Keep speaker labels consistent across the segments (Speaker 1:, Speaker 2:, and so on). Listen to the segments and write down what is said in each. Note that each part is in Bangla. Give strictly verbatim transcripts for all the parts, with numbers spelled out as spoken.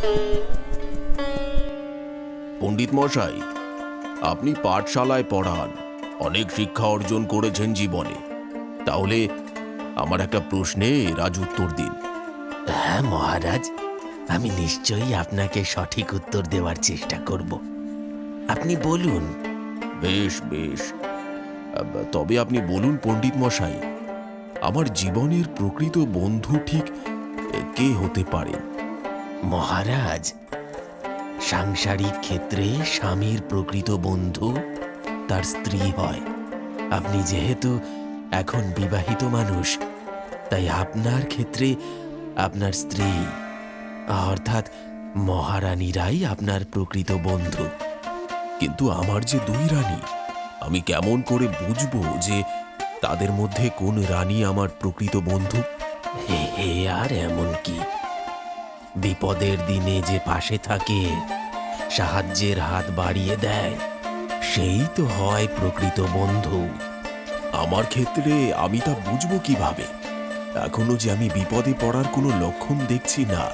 Speaker 1: পণ্ডিত মশাই, আপনি পাঠশালায় পড়ান, অনেক শিক্ষা অর্জন করেছেন জীবনে। তাহলে আমার একটা প্রশ্নে রাজ উত্তর দিন।
Speaker 2: হ্যাঁ মহারাজ, আমি নিশ্চয়ই আপনাকে সঠিক উত্তর দেওয়ার চেষ্টা করব। আপনি বলুন।
Speaker 1: বেশ বেশ, তবে আপনি বলুন পণ্ডিত মশাই, আমার জীবনের প্রকৃত বন্ধু ঠিক কে হতে পারে?
Speaker 2: মহারাজ, সাংসারিক ক্ষেত্রে স্বামীর প্রকৃত বন্ধু তার স্ত্রী হয়। আপনি যেহেতু এখন বিবাহিত মানুষ, তাই আপনার ক্ষেত্রে আপনার স্ত্রী অর্থাৎ মহারানীরাই আপনার প্রকৃত বন্ধু।
Speaker 1: কিন্তু আমার যে দুই রানী, আমি কেমন করে বুঝবো যে তাদের মধ্যে কোন রানী আমার প্রকৃত বন্ধু?
Speaker 2: হে হে, আর এমন কি? বিপদের দিনে যে পাশে থাকে, সাহায্যের হাত বাড়িয়ে দেয়, সেই তো হয় প্রকৃত বন্ধু।
Speaker 1: আমার ক্ষেত্রে আমি তা বুঝবো কিভাবে? এখনো যে আমি বিপদে পড়ার কোনো লক্ষণ দেখছি না।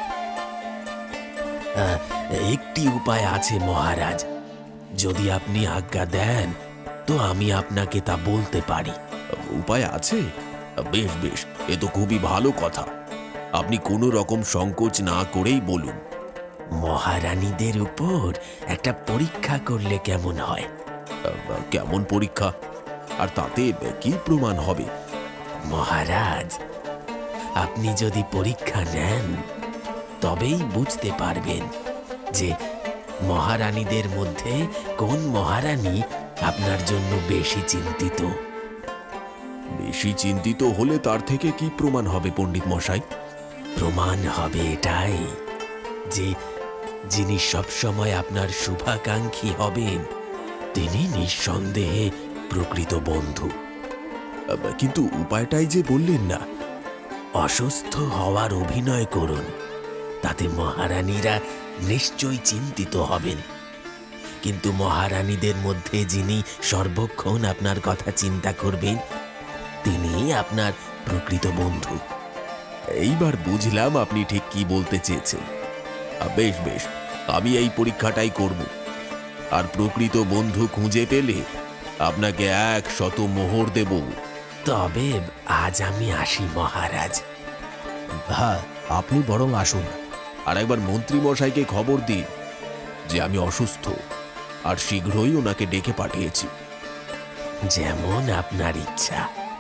Speaker 2: আহ, একটি উপায় আছে মহারাজ, যদি আপনি আজ্ঞা দেন তো আমি আপনাকে তা বলতে পারি।
Speaker 1: উপায় আছে? বেশ বেশ, এ তো খুবই ভালো কথা। আপনি কোনো রকম সংকোচ না করেই বলুন।
Speaker 2: মহারানীদের উপর একটা পরীক্ষা করলে কেমন হয়?
Speaker 1: কেমন পরীক্ষা? আর তাতে কি প্রমাণ হবে?
Speaker 2: মহারাজ, আপনি যদি পরীক্ষা নেন তবেই বুঝতে পারবেন যে মহারানীদের মধ্যে কোন মহারানী আপনার জন্য বেশি চিন্তিত।
Speaker 1: বেশি চিন্তিত হলে তার থেকে কি প্রমাণ হবে পণ্ডিত মশাই?
Speaker 2: প্রমাণ হবে এটাই যে যিনি সবসময় আপনার শুভাকাঙ্ক্ষী হবেন, তিনি নিঃসন্দেহে প্রকৃত বন্ধু।
Speaker 1: কিন্তু উপায়টাই যে বললেন না।
Speaker 2: অসুস্থ হওয়ার অভিনয় করুন, তাতে মহারানীরা নিশ্চয়ই চিন্তিত হবেন। কিন্তু মহারানীদের মধ্যে যিনি সর্বক্ষণ আপনার কথা চিন্তা করবেন, তিনি আপনার প্রকৃত বন্ধু।
Speaker 1: এইবার বুঝলাম আপনি ঠিক কি বলতে চেয়েছেন। বেশ বেশ, আমি এই পরীক্ষাটাই করব, আর প্রকৃত বন্ধু খুঁজে পেলে আপনাকে এক শত মোহর দেব।
Speaker 2: তবে আজ আমি আসি মহারাজ।
Speaker 1: হ্যাঁ, আপনি বরং আসুন, আর একবার মন্ত্রী মশাইকে খবর দিন যে আমি অসুস্থ, আর শীঘ্রই ওনাকে ডেকে পাঠিয়েছি।
Speaker 2: যেমন আপনার ইচ্ছা।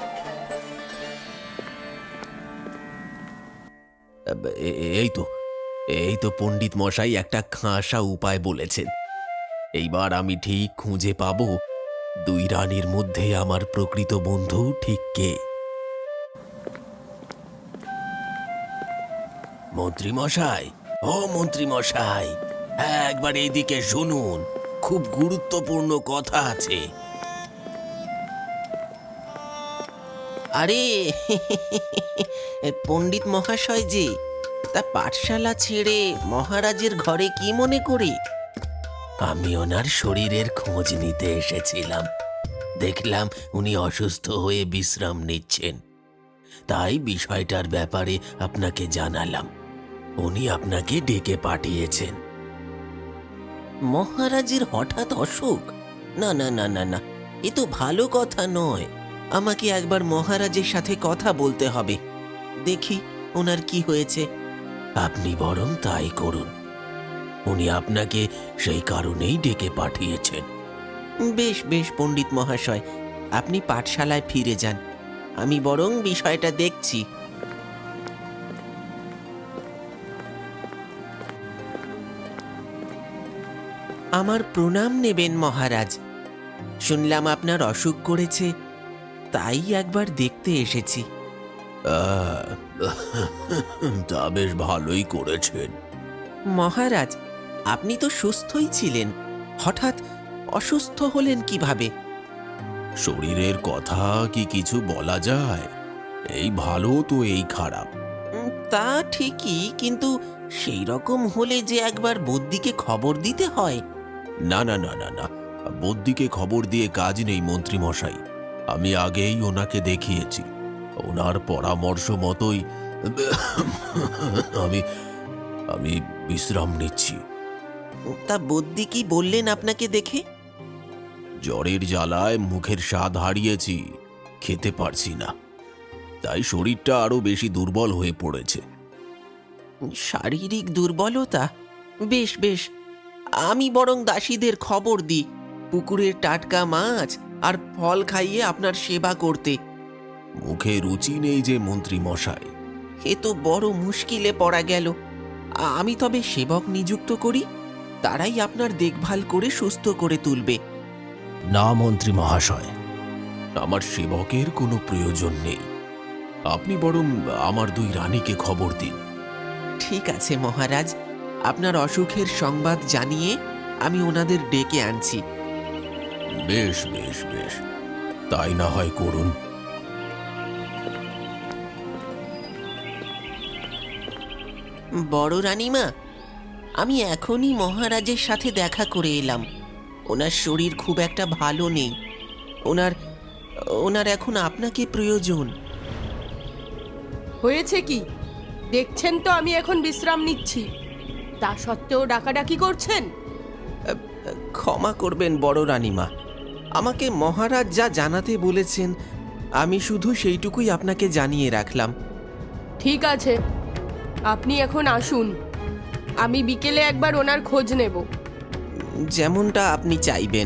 Speaker 1: এ- এই তো এই তো পণ্ডিত মশাই একটা খাসা উপায় বলেছেন। এইবার আমি ঠিক খুঁজে পাবো দুই রানীর মধ্যে আমার প্রকৃত বন্ধু ঠিক কে।
Speaker 2: মন্ত্রী মশাই, ও মন্ত্রী মশাই, একবার এইদিকে শুনুন, খুব গুরুত্বপূর্ণ কথা আছে। আরে পণ্ডিত মহাশয় যে, তা পাঠশালা ছেড়ে মহারাজের ঘরে কি মনে করে? আমি ওনার শরীরের খোঁজ নিতে এসেছিলাম। দেখলাম উনি অসুস্থ হয়ে বিশ্রাম নিচ্ছেন, তাই বিষয়টার ব্যাপারে আপনাকে জানালাম। উনি আপনাকে ডেকে পাঠিয়েছেন। মহারাজের হঠাৎ অসুখ? না না না না না, এ তো ভালো কথা নয়। আমাকে একবার মহারাজের সাথে কথা বলতে হবে, দেখি ওনার কি হয়েছে। আপনি বরং তাই করুন, উনি আপনাকে সেই কারণেই ডেকে পাঠিয়েছেন। বেশ বেশ পণ্ডিত মহাশয়, আপনি পাঠশালায় ফিরে যান, আমি বরং বিষয়টা দেখছি। আমার প্রণাম নেবেন মহারাজ। শুনলাম আপনার অসুখ করেছে, তাই একবার দেখতে এসেছি।
Speaker 1: আহ, তা বেশ ভালোই করেছেন।
Speaker 2: মহারাজ, আপনি তো সুস্থই ছিলেন, হঠাৎ অসুস্থ হলেন কিভাবে?
Speaker 1: শরীরের কথা কি কিছু বলা যায়? এই ভালো তো এই খারাপ।
Speaker 2: উম, তা ঠিকই, কিন্তু সেই রকম হলে যে একবার বদ্যিকে খবর দিতে হয়।
Speaker 1: না না না না না, বদ্যিকে খবর দিয়ে কাজ নেই মন্ত্রী মশাই। আমি আগেই ওনাকে দেখিয়েছি, ওনার পরামর্শ মতোই আমি আমি বিশ্রাম নিচ্ছি।
Speaker 2: তা বদ্যি কি বললেন আপনাকে দেখে?
Speaker 1: জ্বরের জ্বালায় মুখের স্বাদ হারিয়েছি, খেতে পারছি না, তাই শরীরটা আরো বেশি দুর্বল হয়ে পড়েছে।
Speaker 2: শারীরিক দুর্বলতা? বেশ বেশ, আমি বরং দাসীদের খবর দিই পুকুরের টাটকা মাছ আর ফল খাইয়ে আপনার সেবা করতে।
Speaker 1: মুখে রুচি নেই যে মন্ত্রী মশাই।
Speaker 2: এ তো বড় মুশকিলে পড়া গেল। আমি তবে সেবক নিযুক্ত করি, তারাই আপনার দেখভাল করে সুস্থ করে তুলবে।
Speaker 1: না মন্ত্রী মহাশয়, আমার সেবকের কোনো প্রয়োজন নেই। আপনি বরং আমার দুই রানীকে খবর দিন।
Speaker 2: ঠিক আছে মহারাজ, আপনার অসুখের সংবাদ জানিয়ে আমি ওনাদের ডেকে আনছি।
Speaker 1: বেশ বেশ বেশ, তাই না হয় করুন।
Speaker 2: বড় রানীমা, আমি এখনই মহারাজের সাথে দেখা করে এলাম। ওনার শরীর খুব একটা ভালো নেই। ওনার ওনার এখন আপনাকে প্রয়োজন।
Speaker 3: হয়েছে কি? দেখছেন তো আমি এখন বিশ্রাম নিচ্ছি, তা সত্ত্বেও ডাকাডাকি করছেন।
Speaker 2: ক্ষমা করবেন বড় রানীমা, আমাকে মহারাজ যা জানাতে বলেছেন আমি শুধু সেইটুকুই আপনাকে জানিয়ে রাখলাম।
Speaker 3: ঠিক আছে, আপনি এখন আসুন, আমি বিকেলে একবার ওনার খোঁজ নেব।
Speaker 2: যেমনটা আপনি চাইবেন।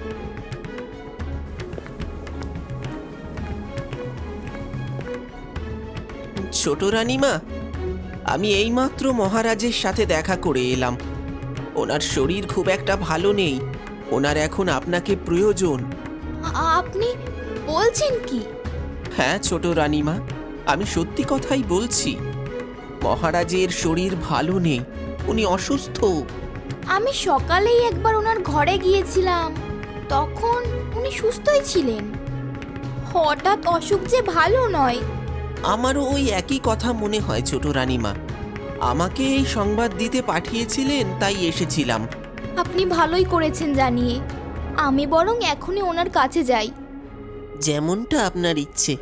Speaker 2: ছোট রানীমা, আমি এইমাত্র মহারাজের সাথে দেখা করে এলাম। ওনার শরীর খুব একটা ভালো নেই, ওনার এখন আপনাকে প্রয়োজন।
Speaker 4: আপনি বলছেন কি?
Speaker 2: হ্যাঁ ছোট রানীমা, আমি সত্যি কথাই বলছি। মহারাজের শরীর ভালো নেই, উনি অসুস্থ।
Speaker 4: আমি সকালেই একবার ওনার ঘরে গিয়েছিলাম, তখন উনি সুস্থই ছিলেন। হঠাৎ অসুখ যে ভালো নয়।
Speaker 2: আমারও ওই একই কথা মনে হয় ছোট রানীমা। আমাকে এই সংবাদ দিতে পাঠিয়েছিলেন, তাই এসেছিলাম।
Speaker 4: আপনি ভালোই করেছেন জানিয়ে। আমি বরং এখনই ওনার কাছে যাই।
Speaker 2: যেমনটা আপনার ইচ্ছে।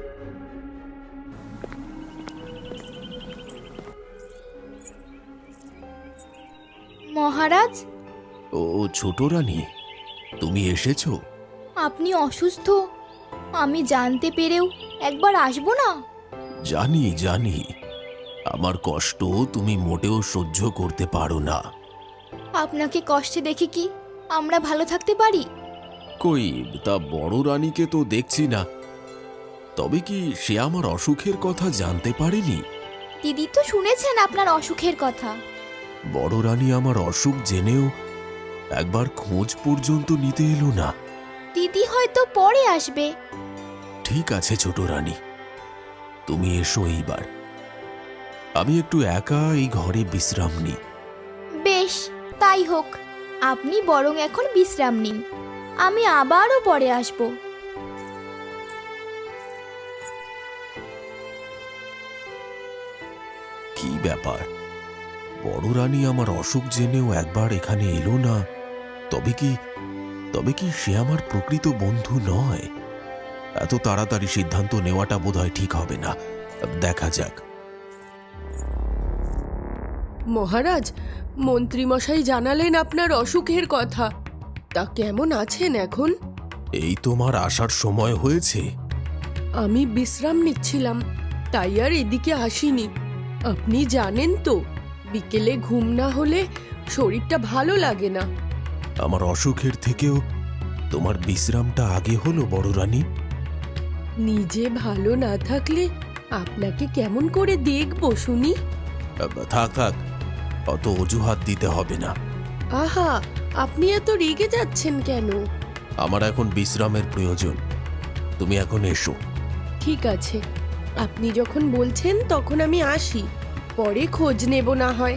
Speaker 4: মহারাজ,
Speaker 1: ও ছোট রানী, তুমি এসেছো?
Speaker 4: আপনি অসুস্থ আমি জানতে পেরেও একবার আসবো না?
Speaker 1: জানি জানি, আমার কষ্ট তুমি মোটেও সহ্য করতে পারো না।
Speaker 4: আপনাকে কষ্টে দেখে কি আমরা ভালো থাকতে পারি?
Speaker 1: কই, তা বড় রানীকে তো দেখছি না। তবে কি সে আমার অসুখের কথা জানতে পারেনি?
Speaker 4: দিদি তো শুনেছেন আপনার অসুখের কথা।
Speaker 1: বড় রানী আমার অসুখ জেনেও একবার খোঁজ পর্যন্ত নিতে এলো না।
Speaker 4: দিদি হয়তো পরে আসবে।
Speaker 1: ঠিক আছে ছোট রানী, তুমি এসো এইবার। আমি একটু একা এই ঘরে বিশ্রাম নিই।
Speaker 4: বেশ, তাই হোক। আপনি বরং এখন বিশ্রাম নিন, আমি আবারও পরে আসব।
Speaker 1: কি ব্যাপার, বড় রানী আমার অসুখ জেনেও একবার এখানে এলো না? তবে কি তবে কি সে আমার প্রকৃত বন্ধু নয়? এত তাড়াতাড়ি সিদ্ধান্ত নেওয়াটা বোধহয় ঠিক হবে না। দেখা যাক।
Speaker 3: মহারাজ, মন্ত্রীমশাই জানালেন আপনার অসুখের কথা, তা কেমন আছেন এখন?
Speaker 1: এই তোমার আসার সময় হয়েছে?
Speaker 3: আমি বিশ্রাম নিচ্ছিলাম, তাই আর এদিকে আসিনি। আপনি জানেন তো, বিকেলে ঘুম না হলে শরীরটা ভালো লাগে না।
Speaker 1: আমার অসুখের থেকেও তোমার বিশ্রামটা আগে হলো বড় রানী।
Speaker 3: নিজে ভালো না থাকলে আপনাকে কেমন করে দেখবো শুনি?
Speaker 1: থাক থাক, অত অজুহাত দিতে হবে না।
Speaker 3: আহা, আপনি এত রেগে যাচ্ছেন কেন?
Speaker 1: আমার এখন বিশ্রামের প্রয়োজন, তুমি এখন এসো।
Speaker 3: ঠিক আছে, আপনি যখন বলছেন তখন আমি আসি, পরে খোঁজ নেব না হয়।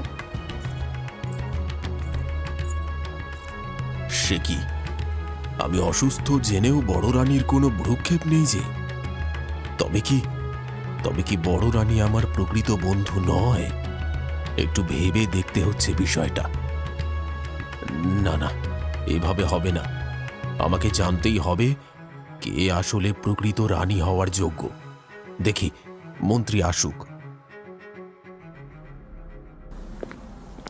Speaker 1: সে কি, আমি অসুস্থ জেনেও বড় রানীর কোনো ভ্রুক্ষেপ নেই যে? তবে কি তবে কি বড় রানী আমার প্রকৃত বন্ধু নয়? একটু ভেবে দেখতে হচ্ছে বিষয়টা। না না, এভাবে হবে না। আমাকে জানতেই হবে কে আসলে প্রকৃত রানী হওয়ার যোগ্য। দেখি, মন্ত্রী আসুক।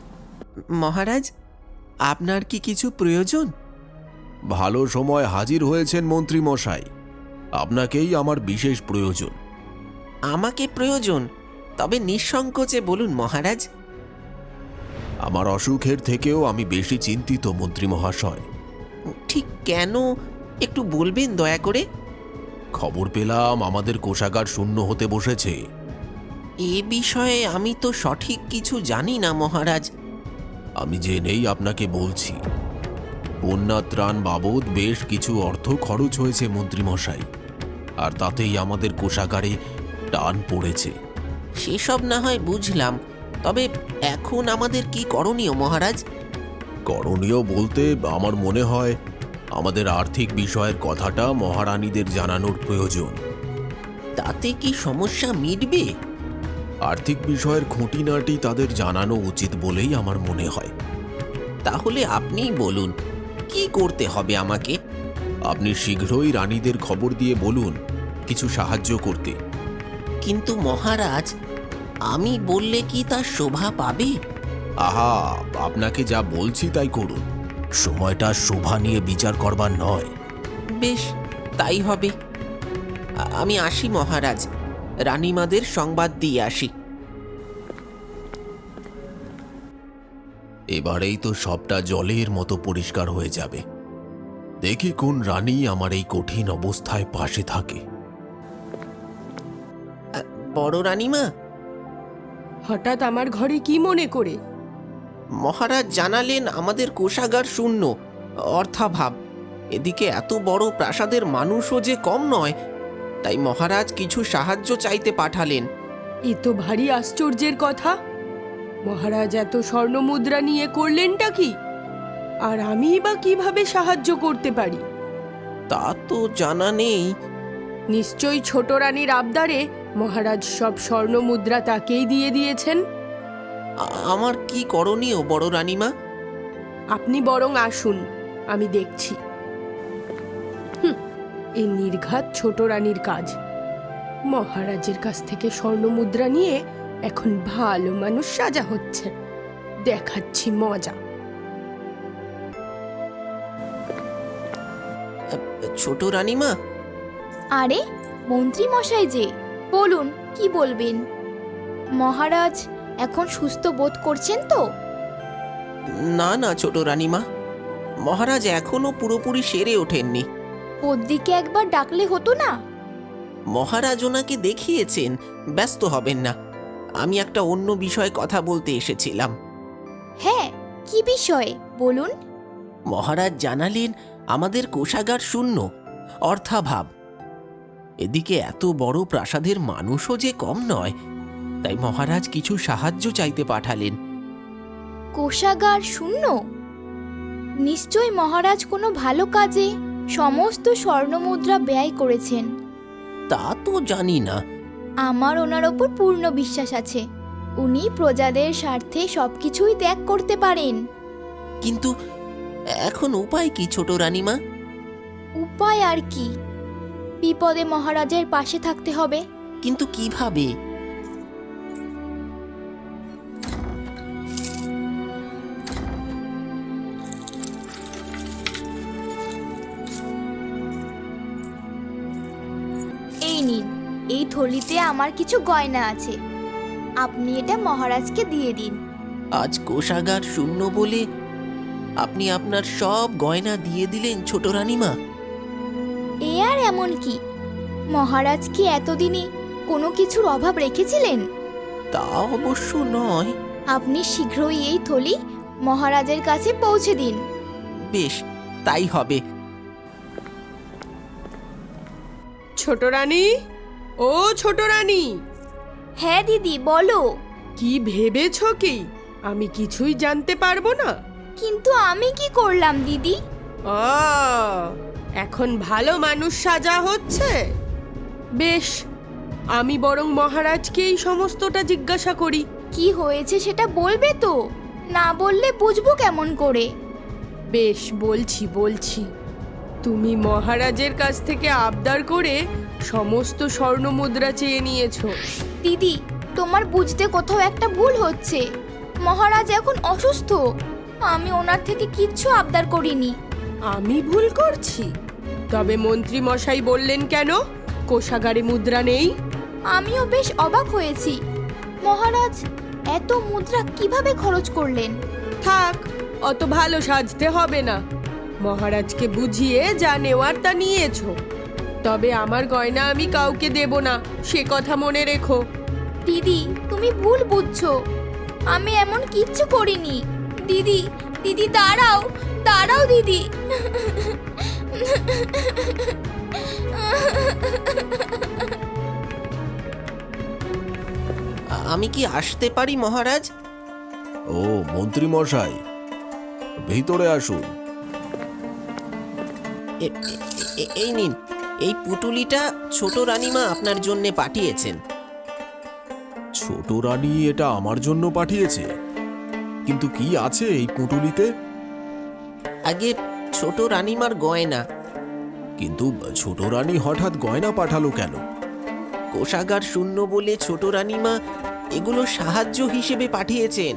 Speaker 2: মহারাজ, আপনার কি কিছু প্রয়োজন?
Speaker 1: ভালো সময় হাজির হয়েছেন মন্ত্রী মশাই, আপনাকেই আমার বিশেষ প্রয়োজন।
Speaker 2: আমাকে প্রয়োজন? তবে নিঃসংকোচে বলুন মহারাজ।
Speaker 1: আমার অসুখের থেকেও আমি বেশি চিন্তিত মন্ত্রী মহাশয়।
Speaker 2: ঠিক কেন একটু বলবেন দয়া করে?
Speaker 1: খবর পেলাম আমাদের কোষাগার শূন্য হতে বসেছে।
Speaker 2: এ বিষয়ে আমি তো সঠিক কিছু জানি না মহারাজ।
Speaker 1: আমি জেনেই আপনাকে বলছি, বন্যা ত্রাণ বাবদ বেশ কিছু অর্থ খরচ হয়েছে মন্ত্রী মশাই, আর তাতেই আমাদের কোষাগারে টান পড়েছে।
Speaker 2: সেসব না হয় বুঝলাম, তবে এখন আমাদের কি করণীয় মহারাজ?
Speaker 1: করণীয় বলতে আমার মনে হয় আমাদের আর্থিক বিষয়ের কথাটা মহারানীদের জানানোর প্রয়োজন।
Speaker 2: তাতে কি সমস্যা মিটবে?
Speaker 1: আর্থিক বিষয়ের খুঁটিনাটি তাদের জানানো উচিত বলেই আমার মনে হয়।
Speaker 2: তাহলে আপনিই বলুন, কি করতে হবে আমাকে?
Speaker 1: আপনি শীঘ্রই রানীদের খবর দিয়ে বলুন কিছু সাহায্য করতে।
Speaker 2: কিন্তু মহারাজ, আমি বললে কি তার শোভা পাবে?
Speaker 1: আহা, আপনাকে যা বলছি তাই করুন, সময়টা শোভা নিয়ে বিচার করবার নয়।
Speaker 2: বেশ, তাই হবে। আ- আমি আসি মহারাজ, রানীমাদের সংবাদ দিয়ে আসি।
Speaker 1: এবারেই তো সবটা জলের মতো পরিষ্কার হয়ে যাবে। দেখি কোন রানী আমার এই কঠিন অবস্থায় পাশে থাকে।
Speaker 2: আ, বড় রানীমা,
Speaker 3: হঠাৎ আমার ঘরে কি মনে করে?
Speaker 2: মহারাজ জানালেন আমাদের কোষাগার শূন্য, অর্থাভাব। এদিকে এত বড় প্রাসাদের মানুষও যে কম নয়, তাই মহারাজ কিছু সাহায্য চাইতে পাঠালেন।
Speaker 3: এ তো ভারী আশ্চর্যের কথা। মহারাজ এত স্বর্ণ মুদ্রা নিয়ে করলেনটা কি? আর আমি বা কিভাবে সাহায্য করতে পারি?
Speaker 2: তা তো জানা নেই।
Speaker 3: নিশ্চয়ই ছোট রানীর আবদারে মহারাজ সব স্বর্ণ মুদ্রা তাকেই দিয়ে দিয়েছেন।
Speaker 2: আ- আমার কি করণীয় বড় রানীমা?
Speaker 3: আপনি বরং আসুন, আমি দেখছি। হুঁ, এই নির্ঘাত ছোট রানীর কাজ। মহারাজের কাছ থেকে স্বর্ণ মুদ্রা নিয়ে এখন ভালো মানুষ সাজা হচ্ছে। দেখাচ্ছি মজা।
Speaker 2: আ, ছোট রানীমা,
Speaker 4: আরে মন্ত্রী মশাই যে, বলুন কি বলবেন? মহারাজ এখন সুস্থ বোধ করছেন তো?
Speaker 2: না না ছোট রানীমা, মহারাজ এখনো পুরোপুরি সেরে ওঠেননি।
Speaker 4: ওর দিকে একবার ডাকলে হতো না?
Speaker 2: মহারাজ ওনাকে দেখিয়েছেন, ব্যস্ত হবেন না। আমি একটা অন্য বিষয়ে কথা বলতে এসেছিলাম।
Speaker 4: হ্যাঁ, কি বিষয়ে বলুন?
Speaker 2: মহারাজ জানালেন আমাদের কোষাগার শূন্য, অর্থাভাব। এদিকে এত বড় প্রাসাদের মানুষও যে কম নয়, তাই মহারাজ কিছু সাহায্য চাইতে পাঠালেন।
Speaker 4: কোষাগার শূন্য? নিশ্চয় মহারাজ কোনো ভালো কাজে সমস্ত স্বর্ণমুদ্রা ব্যয় করেছেন।
Speaker 2: তা তো জানি না।
Speaker 4: আমার ওনার ওপর পূর্ণ বিশ্বাস আছে। উনি প্রজাদের স্বার্থে সবকিছুই ত্যাগ করতে পারেন।
Speaker 2: কিন্তু এখন উপায় কি ছোট রানীমা?
Speaker 4: উপায় আর কি, বিপদে মহারাজের পাশে থাকতে হবে।
Speaker 2: কিন্তু কিভাবে?
Speaker 4: এই নিন, এই থলিতে আমার কিছু গয়না আছে। আপনি এটা মহারাজকে দিয়ে দিন।
Speaker 2: আজ কোষাগার শূন্য বলে আপনি আপনার সব গয়না দিয়ে দিলেন ছোট রানীমা?
Speaker 4: এ আর এমন কি, মহারাজ কি এতদিনে কোনো কিছুর অভাব রেখেছিলেন?
Speaker 2: তা অবশ্য নয়।
Speaker 4: আপনি শীঘ্রই এই থলি মহারাজের কাছে পৌঁছে দিন।
Speaker 2: বেশ, তাই হবে।
Speaker 3: ছোট রানী, ও ছোট রানী,
Speaker 4: হ্যাঁ দিদি, বলো।
Speaker 3: কি ভেবেছ কি আমি কিছুই জানতে পারবো না?
Speaker 4: কিন্তু আমি কি করলাম দিদি?
Speaker 3: ও, এখন ভালো মানুষ সাজা হচ্ছে। বেশ, আমি বরং মহারাজকে এই সমস্তটা জিজ্ঞাসা করি।
Speaker 4: কি হয়েছে সেটা বলবে তো? না বললে বুঝবো কেমন করে?
Speaker 3: বেশ, বলছি বলছি তুমি মহারাজের কাছ থেকে আবদার করে সমস্ত স্বর্ণ মুদ্রা চেয়ে নিয়েছো।
Speaker 4: দিদি, তোমার বুঝতে কোথাও একটা ভুল হচ্ছে। মহারাজ এখন অসুস্থ। আমি ওনার থেকে কিচ্ছু আবদার করিনি।
Speaker 3: আমি ভুল করছি? তবে মন্ত্রী মশাই বললেন কেন কোষাগারে মুদ্রা নেই?
Speaker 4: আমিও বেশ অবাক হয়েছি। মহারাজ এত মুদ্রা কিভাবে খরচ করলেন?
Speaker 3: থাক, অত ভালো সাজতে হবে না। মহারাজকে বুঝিয়ে যা নেওয়ার তা নিয়েছো। তবে আমার গয়না আমি কাউকে দেব না, সে কথা মনে রেখো।
Speaker 4: দিদি, তুমি ভুল বুঝছো। আমি এমন কিচ্ছু করিনি। দিদি, দিদি দাঁড়াও, দাঁড়াও দিদি।
Speaker 2: আমি কি আসতে পারি মহারাজ?
Speaker 1: ও মন্ত্রী মশাই, ভিতরে আসুন।
Speaker 2: এ- এ- এই নিন, এই পুটুলিটা ছোট রানীমা আপনার জন্য পাঠিয়েছেন।
Speaker 1: ছোট রানী এটা আমার জন্য পাঠিয়েছে? কিন্তু কি আছে এই পুঁটুলিতে?
Speaker 2: আগে ছোট রানীমার গয়না।
Speaker 1: কিন্তু ছোট রানী হঠাৎ গয়না পাঠালো কেন?
Speaker 2: কোষাগার শূন্য বলে ছোট রানীমা এগুলো সাহায্য হিসেবে পাঠিয়েছেন।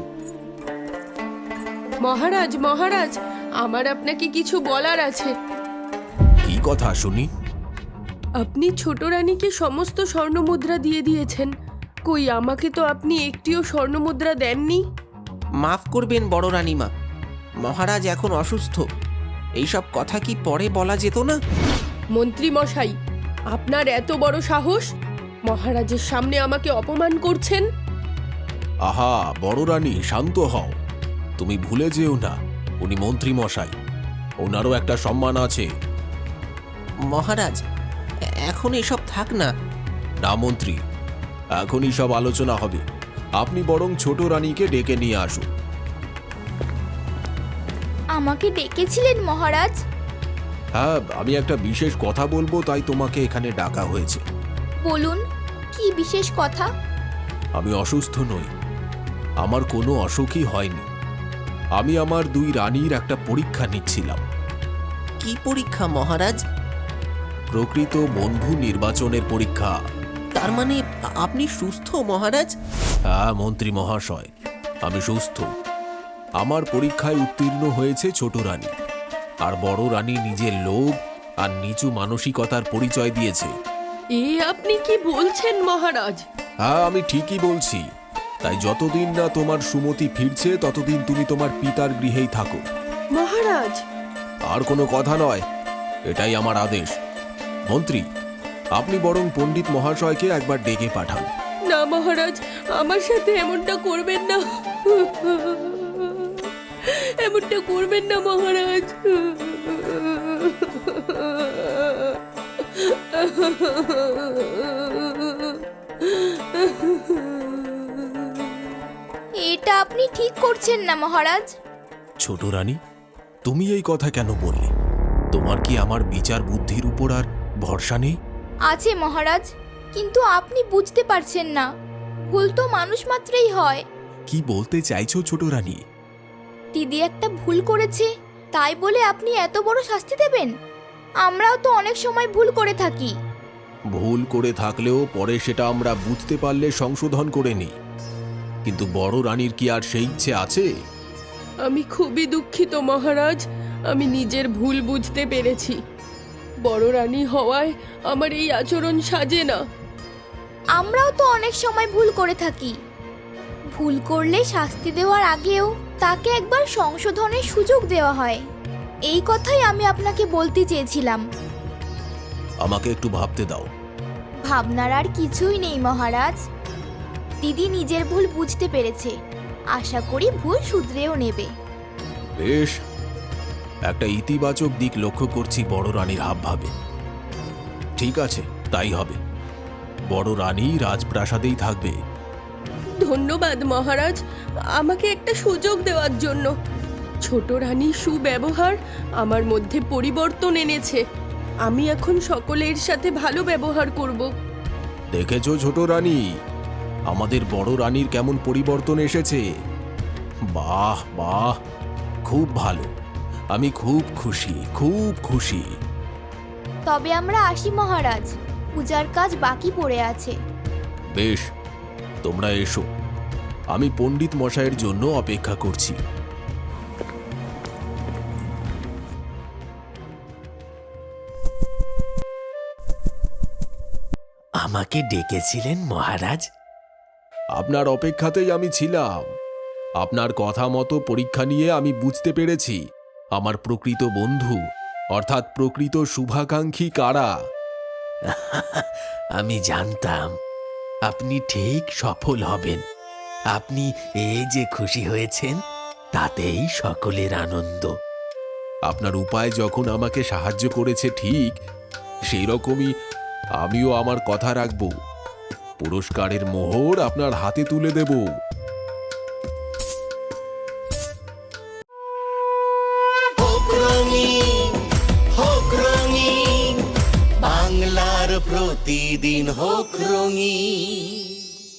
Speaker 3: মহারাজ, মহারাজ, আমার আপনাকে কিছু বলার আছে।
Speaker 1: কি কথা শুনি?
Speaker 3: আপনি ছোট রানীকে সমস্ত স্বর্ণমুদ্রা দিয়ে দিয়েছেন, কই আমাকে তো আপনি একটিও স্বর্ণমুদ্রা দেননি।
Speaker 2: মাফ করবেন বড় রানীমা, মহারাজ এখন অসুস্থ। এইসব কথা কি পরে বলা যেত না?
Speaker 3: মন্ত্রী মশাই, আপনার এত বড় সাহস! মহারাজের সামনে আমাকে অপমান করছেন।
Speaker 1: আহা বড় রানী, শান্ত হও। তুমি ভুলে যেও না, উনি মন্ত্রী মশাই, ওনারও একটা সম্মান আছে।
Speaker 2: মহারাজ, এখন এসব থাক না।
Speaker 1: না মন্ত্রী, এখনই সব আলোচনা হবে। আপনি বরং ছোট রানীকে ডেকে নিয়ে আসুন।
Speaker 4: আমাকে ডেকেছিলেন মহারাজ?
Speaker 1: হ্যাঁ, আমি একটা বিশেষ কথা বলবো, তাই তোমাকে এখানে ডাকা হয়েছে।
Speaker 4: বলুন, কি বিশেষ কথা?
Speaker 1: আমি অসুস্থ নই, আমার কোনো অসুখই হয়নি। আমি আমার দুই রানীর একটা পরীক্ষা নিচ্ছিলাম।
Speaker 2: কি পরীক্ষা মহারাজ?
Speaker 1: প্রকৃত বন্ধু নির্বাচনের পরীক্ষা।
Speaker 2: তার মানে আপনি সুস্থ মহারাজ?
Speaker 1: হ্যাঁ মন্ত্রী মহাশয়, আমি সুস্থ। আমার পরীক্ষায় উত্তীর্ণ হয়েছে ছোট রানী, আর বড় রানী নিজের লোভ আর নিচু মানসিকতার পরিচয় দিয়েছে।
Speaker 3: এ আপনি কি বলছেন মহারাজ?
Speaker 1: হ্যাঁ, আমি ঠিকই বলছি। তাই যতদিন না তোমার সুমতি ফিরছে ততদিন তুমি তোমার পিতার গৃহেই থাকো।
Speaker 3: মহারাজ,
Speaker 1: আর কোনো কথা নয়, এটাই আমার আদেশ। মন্ত্রী, আপনি বরং পণ্ডিত মহাশয়কে একবার ডেকে পাঠান।
Speaker 3: না মহারাজ, আমার সাথে এমনটা করবেন না। এমনটা করবেন না মহারাজ।
Speaker 4: এটা আপনি ঠিক করছেন না মহারাজ।
Speaker 1: ছোট রানী, তুমি এই কথা কেন বললে? তোমার কি আমার বিচার বুদ্ধির উপর আর ভরসা নেই?
Speaker 4: আছে মহারাজ, কিন্তু আপনি বুঝতে পারছেন না। ভুল তো মানুষ মাত্রই হয়।
Speaker 1: কি বলতে চাইছো ছোট রানী?
Speaker 4: দিদি একটা ভুল করেছে, তাই বলে আপনি এত বড় শাস্তি দেবেন? আমরাও তো অনেক সময় ভুল করে থাকি।
Speaker 1: ভুল করে থাকলেও পরে সেটা আমরা বুঝতে পারলে সংশোধন করে নিই। কিন্তু বড় রানীর কি আর সেই ইচ্ছে আছে?
Speaker 3: আমি খুবই দুঃখিত মহারাজ, আমি নিজের ভুল বুঝতে পেরেছি। বড় রানী হওয়ায় আমার এই আচরণ সাজে না।
Speaker 4: আমরাও তো অনেক সময় ভুল করে থাকি। ভুল করলে শাস্তি দেওয়ার আগেও তাকে একবার সংশোধনের সুযোগ দেওয়া হয়। এই কথাই আমি আপনাকে বলতে চেয়েছিলাম।
Speaker 1: আমাকে একটু ভাবতে দাও।
Speaker 4: ভাবনার আর কিছুই নেই মহারাজ। দিদি নিজের ভুল বুঝতে পেরেছে, আশা করি ভুল শুধরেও নেবে।
Speaker 1: বেশ, একটা ইতিবাচক দিক লক্ষ্য করছি বড় রানীর হাবভাবে। ঠিক আছে, তাই হবে। বড় রানী রাজপ্রাসাদেই থাকবে।
Speaker 3: ধন্যবাদ মহারাজ, আমাকে একটা সুযোগ দেওয়ার জন্য। ছোট রানীর সুব্যবহার আমার মধ্যে পরিবর্তন এনেছে। আমি এখন সকলের সাথে ভালো ব্যবহার করব।
Speaker 1: দেখেছো ছোট রানী, আমাদের বড় রানীর কেমন পরিবর্তন এসেছে? বাহ বাহ, খুব ভালো। আমি খুব খুশি, খুব খুশি।
Speaker 4: তবে আমরা আসি মহারাজ, পূজার কাজ বাকি পড়ে আছে।
Speaker 1: বেশ, তোমরা এসো। আমি পণ্ডিত মশাইয়ের জন্য অপেক্ষা করছি।
Speaker 2: আমাকে ডেকেছিলেন মহারাজ?
Speaker 1: আপনার অপেক্ষাতেই আমি ছিলাম। আপনার কথা মতো পরীক্ষা নিয়ে আমি বুঝতে পেরেছি আমার প্রকৃত বন্ধু অর্থাৎ প্রকৃত শুভাকাঙ্ক্ষী কারা।
Speaker 2: আমি জানতাম আপনি ঠিক সফল হবেন। আপনি এই যে খুশি হয়েছেন তাতেই সকলের আনন্দ।
Speaker 1: আপনার উপায় যখন আমাকে সাহায্য করেছে ঠিক সেই রকমই আমিও আমার কথা রাখব। পুরস্কারের মোহর আপনার হাতে তুলে দেব।
Speaker 5: হোক রঙিন, হোক রঙিন, বাংলার প্রতিদিন হোক রঙিন।